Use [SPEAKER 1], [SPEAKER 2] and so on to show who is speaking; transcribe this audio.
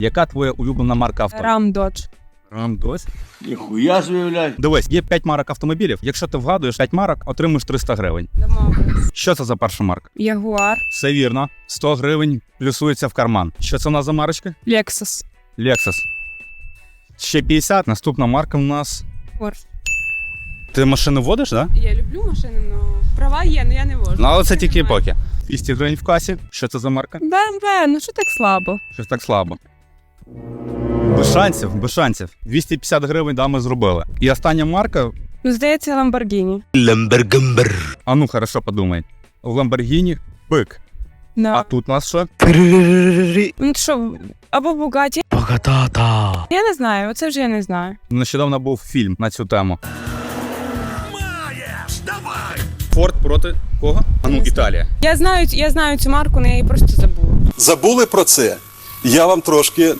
[SPEAKER 1] Яка твоя улюблена марка авто?
[SPEAKER 2] Рам Додж.
[SPEAKER 1] Рам Додж?
[SPEAKER 3] Ніхуя собі, блядь.
[SPEAKER 1] Дивись, є 5 марок автомобілів. Якщо ти вгадуєш 5 марок, отримуєш 300 гривень.
[SPEAKER 2] Домовились.
[SPEAKER 1] Що це за перша марка?
[SPEAKER 2] Ягуар.
[SPEAKER 1] Все вірно. 100 гривень плюсується в карман. Що це у нас за марочка?
[SPEAKER 2] Лексус.
[SPEAKER 1] Lexus. Ще 50. Наступна марка у нас.
[SPEAKER 2] Порш.
[SPEAKER 1] Ти машину водиш, так? Да?
[SPEAKER 2] Я люблю машини, але права є, але я не вожу.
[SPEAKER 1] Ну, але це тільки поки. 200 гривень в касі. Що це за марка?
[SPEAKER 2] БМВ, ну що так слабо?
[SPEAKER 1] Щось так слабо. Без шансів, без шансів. 250 гривень, да, ми зробили. І остання марка.
[SPEAKER 2] Ну, здається, Ламборгіні.
[SPEAKER 1] А ну, хорошо, подумай. В Lamborghini бик. А
[SPEAKER 2] Да.
[SPEAKER 1] тут у нас що?
[SPEAKER 2] Ну що, або Бугаті. Я не знаю, оце вже я не знаю.
[SPEAKER 1] Нещодавно був фільм на цю тему. Форд проти кого? А ну, Італія.
[SPEAKER 2] Я знаю цю марку, але я її просто забула.
[SPEAKER 4] Забули про це? Я вам трошки